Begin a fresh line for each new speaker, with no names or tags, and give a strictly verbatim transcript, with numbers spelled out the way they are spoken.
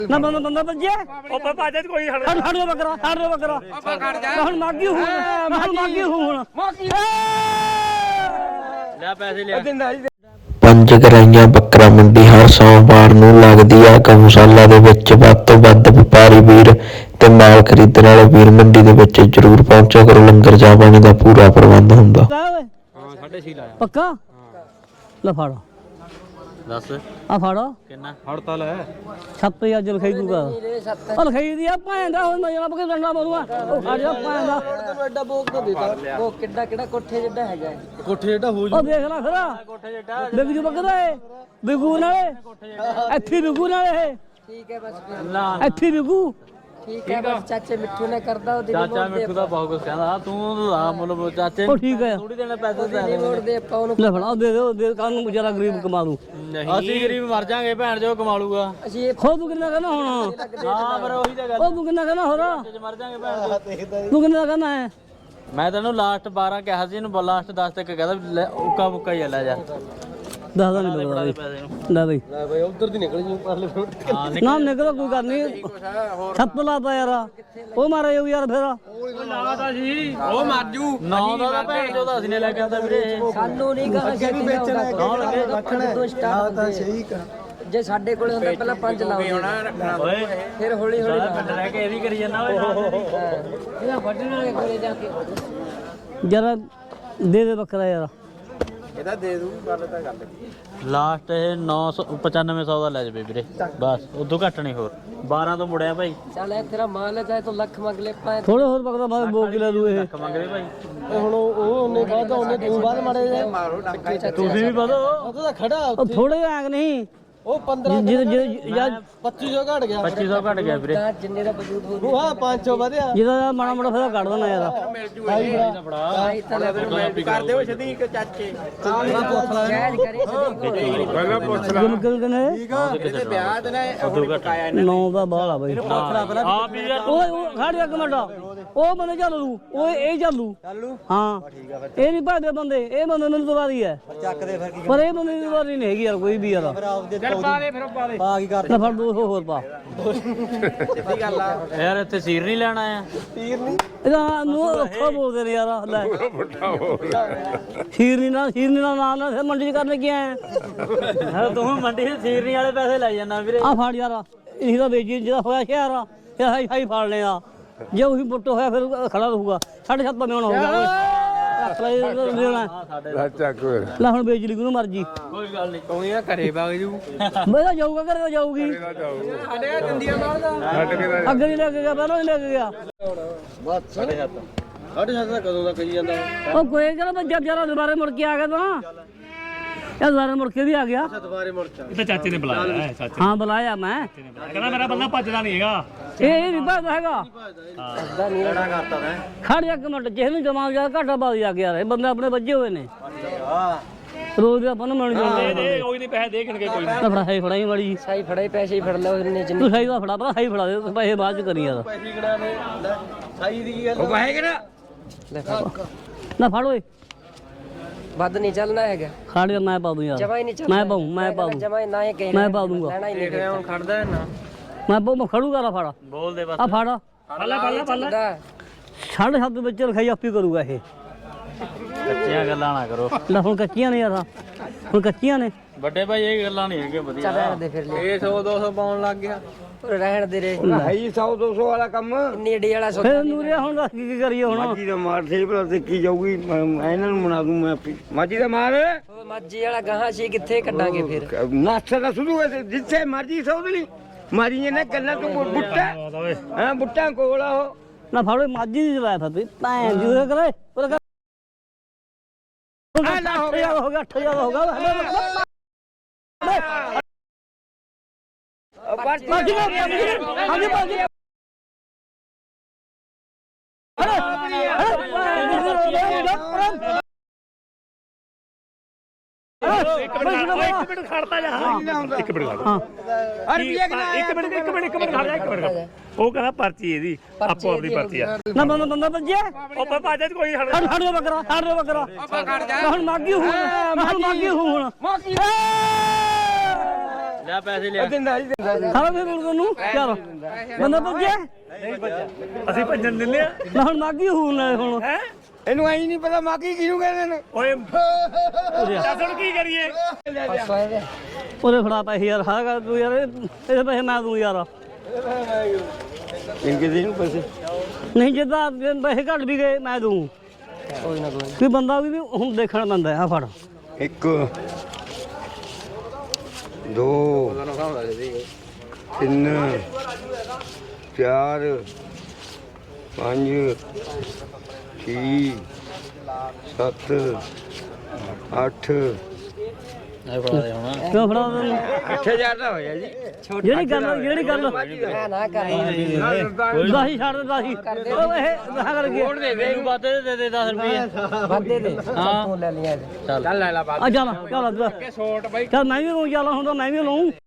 ਨਾ ਬੰਦਾ ਬੰਦਾ ਭੱਜਿਆ
ਉਹ ਬਾਬਾ ਅੱਜ ਕੋਈ ਹੜ
ਹੜ ਹੜ ਬੱਕਰਾ ਹੜ ਬੱਕਰਾ
ਆਪਾਂ ਖੜ ਜਾ
ਹੁਣ ਮਾਗੀ ਹੂੰ ਹੁਣ ਮਾਗੀ ਹੂੰ ਹੁਣ
ਲੈ ਪੈਸੇ ਲਿਆ
ਪੰਜ ਗਰਾਈਆਂ ਬੱਕਰਾ ਮੰਡੀ ਹਰ ਸੋਮਵਾਰ ਨੂੰ ਲੱਗਦੀ ਆ ਗਊਸ਼ਾਲਾ ਦੇ ਵਿੱਚ। ਵੱਧ ਤੋਂ ਵੱਧ ਵਪਾਰੀ ਵੀਰ ਤੇ ਮਾਲ ਖਰੀਦਣ ਵਾਲੇ ਵੀਰ ਮੰਡੀ ਦੇ ਵਿੱਚ ਜ਼ਰੂਰ ਪਹੁੰਚਿਆ ਕਰੋ। ਲੰਗਰ ਚਾਹ ਪਾਣੀ ਦਾ ਪੂਰਾ ਪ੍ਰਬੰਧ ਹੁੰਦਾ।
ਹਾਂ ਸਾਢੇ ਛੇ ਲਾਇਆ
ਪੱਕਾ ਲੈ ਫੜ
ਦੱਸ
ਆ ਫੜ
ਕਿੰਨਾ ਹੜਤਾਲ ਹੈ
ਸੱਤ ਅੱਜ ਲਿਖਾਈ ਦੂਗਾ ਉਹ ਲਿਖਾਈ ਦੀ ਆ ਭੈਂਦਾ ਹੁਣ ਮੈਂ ਜਨਾਬ ਕਿ ਡੰਡਾ ਮਾਰੂਗਾ ਉਹ ਖੜ ਜਾ ਭੈਂਦਾ
ਤੈਨੂੰ ਐਡਾ ਬੋਕ ਤਾਂ ਦਿੱਤਾ ਉਹ ਕਿੱਡਾ ਕਿਹੜਾ ਕੋਠੇ ਜਿੱਡਾ ਹੈਗਾ
ਕੋਠੇ ਜਿਹੜਾ ਹੋ
ਉਹ ਦੇਖ ਲੈ ਖਰਾ
ਕੋਠੇ ਜਿਹੜਾ
ਬਿਗ ਜੂ ਬੱਕਰਾ ਏ ਬਿਗੂ ਨਾਲੇ ਇੱਥੇ ਬਿਗੂ ਨਾਲੇ
ਠੀਕ ਹੈ ਬਸ
ਨਾ
ਇੱਥੇ ਬਿਗੂ
ਠੀਕ ਹੈ ਬਸ ਚਾਚੇ ਮਿੱਠੂ ਨੇ ਕਰਦਾ ਉਹ ਦਿਨ
ਚਾਚਾ ਮਿੱਠੂ ਦਾ ਬਹੁਤ ਕੁਝ ਕਹਿੰਦਾ ਤੂੰ ਆ ਮੁੱਲ ਚਾਚੇ
ਉਹ ਠੀਕ ਹੈ
ਥੋੜੀ ਦੇਣਾ ਪੈਸੇ
ਨਹੀਂ ਮੋੜਦੇ ਆਪਾਂ ਉਹਨੂੰ
ਲੈ ਫੜਾ ਦੇ ਦੇ ਦੇ ਕਾਨ ਨੂੰ ਵਿਚਾਰਾ ਗਰੀਬ ਕਮਾ ਦੂ
ਅਸੀਂ ਗਰੀਬ ਮਰ ਜਾਾਂਗੇ ਭੈਣ ਜੋ ਕਮਾ ਲੂਗਾ
ਅਸੀਂ ਇਹ
ਖੋ ਤੂੰ ਕਿੰਨਾ ਕਹਿੰਦਾ ਹੁਣ
ਹਾਂ ਪਰ ਉਹੀ ਤਾਂ ਗੱਲ
ਉਹ ਤੂੰ ਕਿੰਨਾ ਕਹਿੰਦਾ ਹੋਰ
ਜੇ ਮਰ ਜਾਾਂਗੇ ਭੈਣ
ਤੂੰ ਕਿੰਨਾ ਕਹਿੰਦਾ ਹੈ
ਮੈਂ ਤੈਨੂੰ ਲਾਸਟ ਬਾਰਾਂ ਕਿਹਾ ਸੀ ਇਹਨੂੰ ਲਾਸਟ ਦਸ ਤੱਕ ਕਹਿੰਦਾ ਉੱਕਾ ਮੁੱਕਾ ਹੀ ਲੈ ਜਾ
ਦੱਸਦਾ ਨਹੀਂ ਬੜਾ ਬਈ ਲੈ ਬਈ
ਲੈ ਬਈ ਉਧਰ ਦੀ ਨਿਕਲ ਜੂ ਪਰਲੇ ਫਰੋਟ
ਹਾਂ
ਨਾ ਨਿਕਲ ਕੋਈ ਗੱਲ ਨਹੀਂ ਛੱਤ ਲਾਤਾ ਯਾਰ ਉਹ ਮਾਰੇ ਉਹ ਯਾਰ ਫੇਰ
ਉਹ ਲਾਤਾ ਸੀ ਉਹ ਮਰ ਜੂ ਨੌ ਦਾ ਭੈਣ ਜੋ ਦਾ ਅਸੀਂ ਨੇ ਲੈ ਕੇ ਆਂਦਾ ਵੀਰੇ
ਸਾਨੂੰ ਨਹੀਂ ਗਾ ਛੇਤੀ ਵੇਚਣਾ
ਕੌਣ ਲੱਗੇ
ਰੱਖਣ ਤੋਂ ਸਟਾਰਟ ਤਾਂ ਸਹੀ ਜੇ ਸਾਡੇ ਕੋਲੇ ਹੁੰਦਾ ਪਹਿਲਾਂ ਪੰਜ ਲਾਉਂਦੇ
ਓਏ
ਫਿਰ ਹੌਲੀ ਹੌਲੀ
ਪਿੰਡ ਰਹਿ ਕੇ ਇਹ ਵੀ ਕਰੀ ਜਾਂਦਾ ਓਏ
ਇਹਦਾ ਵੱਢਣ ਵਾਲੇ ਕੋਲੇ ਜਾ ਕੇ
ਜਰਾ ਦੇ ਦੇ ਬੱਕਰਾ ਯਾਰ
ਇਹਦਾ ਦੇ ਦੂ ਗੱਲ ਤਾਂ ਗੱਲ
ਲਾਸਟ ਇਹ ਨੌ ਸੌ ਪਚਾਨਵੇਂ ਸੌ ਦਾ ਲੈ ਜਾਵੇ ਵੀਰੇ ਬਸ ਉਦੋਂ ਘੱਟ ਨਹੀਂ ਹੋਰ ਬਾਰਾਂ ਤੋਂ ਮੁੜਿਆ ਭਾਈ
ਚੱਲ ਇਹ ਤੇਰਾ ਮਾਲ ਹੈ ਚਾਹੇ ਤੂੰ ਲੱਖ ਮੰਗ ਲੈ ਪਾਏ
ਥੋੜੇ ਹੋਰ ਬੱਕਰਾ ਬਾਅਦ ਬੋ ਕਿਲਾ ਦੂ ਇਹ
ਲੱਖ ਮੰਗਦੇ ਭਾਈ
ਹੁਣ ਉਹ ਉਹਨੇ ਬਾਅਦ ਉਹਨੇ ਤੂੰ ਬਾਅਦ ਮਾਰੇ ਮਾਰੋ ਡਾਂਗਾ
ਤੁਸੀਂ ਵੀ ਵਧੋ
ਉਹ ਤਾਂ ਖੜਾ
ਉਹ ਥੋੜੇ ਐਂਗ ਨਹੀਂ
ਉਹ ਪੰਦਰਾਂ
ਜਿਹਦੇ ਜਿਹਦੇ ਜਦ
ਪੱਚੀ ਸੌ ਘਟ ਗਿਆ
ਪੱਚੀ ਸੌ ਘੱਟ ਗਿਆ ਵੀਰੇ
ਜਿੰਨੇ ਦਾ ਵਜੂਦ ਹੋ ਉਹ ਹਾਂ ਪੰਜ ਸੌ ਵਧਿਆ
ਜਿਹਦਾ ਮਾੜਾ ਮਾੜਾ ਫੇਰ ਕੱਢ ਦੇਣਾ ਯਾਰ
ਆਈ ਤਾਂ ਲੈ ਕਰ ਦਿਓ ਸਦੀਕ ਚਾਚੇ ਜਾਇਜ਼ ਕਰੇ ਸਦੀਕ
ਪਹਿਲਾਂ ਪੁੱਛ
ਗੁਲ ਗੁਲ ਕਨੇ
ਇਹਦੇ ਵਿਆਹ ਤੇ ਨਾ
ਉਦੋਂ ਘੱਟ
ਨੌ ਦਾ ਬਾਲ ਆ ਬਈ
ਆ ਵੀ ਯਾਰ
ਓਏ ਉਹ ਖੜ ਜਾ ਇੱਕ ਮਿੰਟ ਉਹ ਬੰਦੇ ਚੱਲੂ ਓਏ ਇਹ ਚੱਲੂ ਹਾਂ ਇਹ ਨਹੀਂ ਭਾਦੇ ਬੰਦੇ ਇਹ ਬੰਦੇ ਮੈਨੂੰ ਦਵਾਰੀ ਹੈ ਪਰ ਇਹ ਬੰਦੇ ਦੀ ਦਵਾਰੀ ਨਹੀਂ ਹੈਗੀ ਯਾਰ ਕੋਈ ਵੀ ਯਾਰ
ਪਾ ਦੇ ਫਿਰ ਪਾ ਦੇ
ਪਾ ਕੀ ਕਰ
ਲੈ ਫੜ ਦੋ ਸੌ ਹੋਰ ਪਾ
ਸਿੱਧੀ ਗੱਲ ਆ
ਯਾਰ ਇੱਥੇ ਸੀਰ ਨਹੀਂ ਲੈਣਾ ਆ
ਤੀਰ ਨਹੀਂ
ਇਹਦਾ ਨੂੰ ਔਖਾ ਬੋਲਦੇ ਨੇ ਯਾਰ ਲੈ ਸ਼ੀਰ ਨਹੀਂ ਨਾ ਸ਼ੀਰ ਨਹੀਂ ਨਾ ਨਾਲ ਨਾਲ ਫਿਰ ਮੰਡੀ ਚ ਕਰਨ ਕੀ ਆਇਆ
ਤੂੰ ਮੰਡੀ ਦੇ ਸੀਰਨੀ ਵਾਲੇ ਪੈਸੇ ਲੈ ਜਾਣਾ ਵੀਰੇ
ਆ ਫੜ ਯਾਰ ਇਹੀ ਤਾਂ ਵੇਚੀ ਜਿਹਦਾ ਹੋਇਆ ਸ਼ਹਿਰ ਆ ਇਹ ਹਾਈ ਹਾਈ ਫੜ ਲਿਆ ਜੇ ਉਹੀ ਪੁੱਟ ਹੋਇਆ ਫਿਰ ਖੜਾ ਰਹੂਗਾ ਸਾਢੇ ਸੱਤ ਮਿਹਣ ਹੋਊਗਾ ਰੱਖ ਲੈ ਲੈ ਹੁਣ ਵੇਚ ਲਈ ਕਿਹਨੂੰ ਮਰਜੀ
ਕੋਈ ਗੱਲ ਨਹੀਂ
ਤੂੰ ਇਹ ਘਰੇ ਵਗ ਜੂ
ਮੈਂ ਤਾਂ ਜਾਊਗਾ ਘਰੇ ਤਾਂ ਜਾਊਗੀ
ਸਾਡੇ ਦੰਦੀਆਂ ਮਾਰਦਾ
ਅੱਗੇ ਨਹੀਂ ਲੈ ਕੇ ਗਿਆ ਪਹਿਲਾਂ ਨਹੀਂ ਲੈ ਕੇ ਗਿਆ
ਬਸ ਸਾਡੇ ਹੱਥ ਸਾਡੇ ਹੱਥ ਦਾ ਕਦੋਂ ਦਾ ਕਹੀ ਜਾਂਦਾ
ਉਹ ਕੋਈ ਕਹਿੰਦਾ ਮੈਂ ਜਦ ਜਰਾ ਦੁਬਾਰੇ ਮੁੜ ਕੇ ਆ ਗਿਆ ਤਾਂ ਇਹ ਦੁਬਾਰੇ ਮੁੜ ਕੇ ਵੀ ਆ ਗਿਆ
ਦੁਬਾਰੇ ਮੁੜ ਚਾ
ਇਹ ਤਾਂ ਚਾਚੇ ਨੇ ਬੁਲਾਇਆ ਹੈ ਚਾਚੇ
ਹਾਂ ਬੁਲਾਇਆ ਮੈਂ
ਕਹਿੰਦਾ ਮੇਰਾ ਬੰਦਾ ਭੱਜਦਾ ਨਹੀਂ ਹੈਗਾ
ਇਹ ਇਹ ਨਹੀਂ ਭੱਜਦਾ ਹੈਗਾ
ਅੱਧਾ ਨਹੀਂ ਲੜਾ ਕਰਤਾ ਮੈਂ
ਖੜ ਜਾ ਇੱਕ ਮਿੰਟ ਜਿਹੇ ਨੂੰ ਜਮਾ ਜਾ ਘਾਟਾ ਬਾਦ ਜਾ ਕੇ ਯਾਰ ਇਹ ਬੰਦੇ ਆਪਣੇ ਵੱਜੇ ਹੋਏ ਨੇ ਰੋਜ਼ ਦੇ ਆਪਾਂ ਨੂੰ ਮਿਲ ਜਾਂਦੇ
ਦੇ ਕੋਈ ਨਹੀਂ ਪੈਸੇ ਦੇ ਕਿਣਕੇ ਕੋਈ
ਤਾਂ ਫੜਾ ਹੈ ਫੜਾਈ ਵਾਲੀ
ਸਾਈ ਫੜੇ ਪੈਸੇ ਹੀ ਫੜ ਲੈ ਉਹਨੇ ਜਿੰਨੇ
ਤੂੰ ਸਹੀ ਦਾ ਫੜਾ ਭਰਾ ਸਹੀ ਫੜਾ ਦੇ ਤੂੰ ਪੈਸੇ ਬਾਅਦ ਚ ਕਰੀ ਯਾਰ
ਪੈਸੇ ਕਿਹੜਾ ਨੇ ਸਾਈ ਦੀ ਕੀ ਗੱਲ
ਉਹ ਪੈਸੇ ਕਿਹੜਾ
ਲੈ
ਨਾ ਫੜ ਓਏ
ਵੱਧ ਨਹੀਂ ਚੱਲਣਾ ਹੈਗਾ
ਖੜ ਜਾ ਮੈਂ ਪਾ ਦੂੰ ਯਾਰ
ਜਮਾ ਹੀ ਨਹੀਂ ਚੱਲਣਾ
ਮੈਂ ਪਾਉਂ ਮੈਂ ਪਾ ਦੂੰ
ਜਮਾ ਹੀ ਨਾ ਹੀ ਕਹਿਣਾ
ਮੈਂ ਪਾ ਦੂੰਗਾ
ਲੈਣਾ ਹੀ ਨਹੀਂ ਹੁਣ ਖੜਦਾ ਹੈ ਨਾ
ਮੈਂ ਪਾਉ ਮੈਂ ਖੜੂਗਾ ਰਾ ਫੜ
ਬੋਲ ਦੇ ਬਸ
ਆ ਫੜ
ਪੱਲਾ ਪੱਲਾ ਪੱਲਾ
ਸਾਢੇ ਸੱਤ ਵਿੱਚ ਲਿਖਾਈ ਆਪੀ ਕਰੂਗਾ ਇਹ
ਕੱਚੀਆਂ ਗੱਲਾਂ ਨਾ ਕਰੋ
ਲੈ ਹੁਣ ਕੱਚੀਆਂ ਨੇ ਯਾਰ ਹੁਣ ਕੱਚੀਆਂ ਨੇ
ਵੱਡੇ ਭਾਈ ਇਹ ਗੱਲਾਂ ਨਹੀਂ ਹੈਗੀਆਂ ਵਧੀਆ
ਚੱਲ ਰਹਿਣ ਦੇ ਫਿਰ ਲੈ
ਇਹ ਸੌ ਦੋ ਸੌ ਪਾਉਣ ਲੱਗ ਗਿਆ
ਰਹਿਣ ਦੇ ਰੇ
ਭਾਈ ਸੌ ਦੋ ਸੌ ਵਾਲਾ ਕੰਮ
ਇੰਨੀ ਏਡੀ ਵਾਲਾ ਸੌਦਾ
ਫਿਰ ਨੂਰਿਆ ਹੁਣ ਦੱਸ ਕੀ ਕੀ ਕਰੀਏ ਹੁਣ
ਮਾਜੀ ਦਾ ਮਾਰ ਸੇ ਭਲਾ ਦੇਖੀ ਜਾਊਗੀ ਮੈਂ ਮੈਂ ਇਹਨਾਂ ਨੂੰ ਬਣਾ ਦੂੰ ਮੈਂ ਆਪੀ ਮਾਜੀ ਦਾ ਮਾਰ
ਉਹ ਮਾਜੀ ਵਾਲਾ ਗਾਹਾਂ ਸੀ ਕਿੱਥੇ ਕੱਢਾਂਗੇ ਫਿਰ
ਨਾਸਾ ਦਾ ਸ਼ੁਰੂ ਹੋਇਆ ਜਿੱਥੇ ਮਰਜੀ ਸੌਦਲੀ ਮਾਰੀ ਨੇ ਗੱਲਾਂ ਤੋਂ ਬੁੱਟਾ ਹਾਂ ਬੁੱਟਾ ਕੋਲ ਆ ਉਹ
ਨਾ ਫੜੋ ਮਾਜੀ ਦੀ ਜਵਾਬ ਫੱਬੀ ਭੈਣ ਜੀ ਉਹ ਕਰੇ ਉਹ ਕਰ ਹੋ ਗਿਆ ਹੋ ਗਿਆ ਅੱਠ ਹਜ਼ਾਰ ਹੋ ਗਿਆ ਮਾਜੀ ਮਾਜੀ ਹਾਂਜੀ ਮਾਜੀ
ਇੱਕ ਮਿੰਟ ਖੜਤਾ ਜਾ ਇੱਕ ਮਿੰਟ ਖੜ
ਹਾਂ
ਇੱਕ ਮਿੰਟ ਇੱਕ ਮਿੰਟ ਇੱਕ ਮਿੰਟ ਖੜ ਜਾ ਇੱਕ ਮਿੰਟ ਉਹ ਕਹਿੰਦਾ ਪਰਚੀ ਇਹਦੀ ਆਪੋ ਆਪਣੀ ਪਰਚੀ ਆ
ਨਾ ਬੰਦਾ ਬੰਦਾ ਭੱਜਿਆ
ਉਹ ਬਾਬਾ ਅੱਜ ਕੋਈ ਹੜ
ਹੜ ਹੜ ਬੱਕਰਾ ਹੜ ਬੱਕਰਾ
ਆਪਾਂ ਖੜ ਜਾ
ਹੁਣ ਮਾਗੀ ਹੂੰ ਹੁਣ ਮਾਗੀ ਹੂੰ ਹੁਣ
ਲੈ ਪੈਸੇ ਲਿਆ
ਦਿੰਦਾ ਜੀ ਦਿੰਦਾ
ਖਾਣਾ ਫਿਰ ਹੁਣ ਤੈਨੂੰ ਚੱਲ ਬੰਦਾ ਭੱਜਿਆ
ਅਸੀਂ ਭੱਜਣ ਦਿੰਦੇ ਆ
ਨਾ ਹੁਣ ਮਾਗੀ ਹੂਣ ਨਾਲ ਹੁਣ
ਇਹਨੂੰ ਐਂ ਨਹੀਂ ਪਤਾ ਮਾਗੀ ਕਿਹਨੂੰ ਕਹਿੰਦੇ ਨੇ
ਓਏ ਦੱਸਣ ਕੀ ਕਰੀਏ
ਉਹਦੇ ਫੜਾ ਪੈਸੇ ਯਾਰ ਹਾਂ ਕਰ ਤੂੰ ਯਾਰ ਇਹ- ਇਹਦੇ ਪੈਸੇ ਮੈਂ ਦੂੰ ਯਾਰ
ਇਨਕੇ ਦੇ ਨੂੰ ਪੈਸੇ
ਨਹੀਂ ਜਿੱਦਾਂ ਪੈਸੇ ਘੱਟ ਵੀ ਗਏ ਮੈਂ ਦੂੰ
ਕੋਈ ਨਾ ਕੋਈ
ਕੋਈ ਬੰਦਾ ਵੀ ਹੁਣ ਦੇਖਣ ਬੰਦਾ ਆ ਫੜ
ਇੱਕ ਦੋ ਤਿੰਨ ਚਾਰ ਪੰਜ ਛੇ ਸੱਤ ਅੱਠ
ਐ ਫੜਾ ਦੇ ਹੁਣ
ਕਿਉਂ ਫੜਾ ਤੈਨੂੰ
ਅੱਠ ਹਜ਼ਾਰ ਦਾ ਹੋਇਆ ਜੀ
ਜਿਹੜੀ ਗੱਲ ਜਿਹੜੀ ਗੱਲ
ਨਾ ਕਰ
ਦਾਹੀ ਛੱਡ ਦੇ ਦਾਹੀ ਉਹ ਇਹ ਗਾਹ ਕਰ ਗਿਆ
ਮੈਨੂੰ ਬਾਤੇ ਦੇ ਦੇ ਦਸ ਰੁਪਏ
ਵਾਦੇ ਦੇ
ਹਾਂ
ਲੈ ਲਿਆ
ਚੱਲ
ਚੱਲ ਲੈ ਲਾ ਬਾਤ
ਆ ਚੱਲ ਚੱਲ ਚੱਲ ਮੈਂ ਵੀ ਲਊਂ ਚੱਲ ਹੁਣ ਤਾਂ ਮੈਂ ਵੀ ਲਊਂ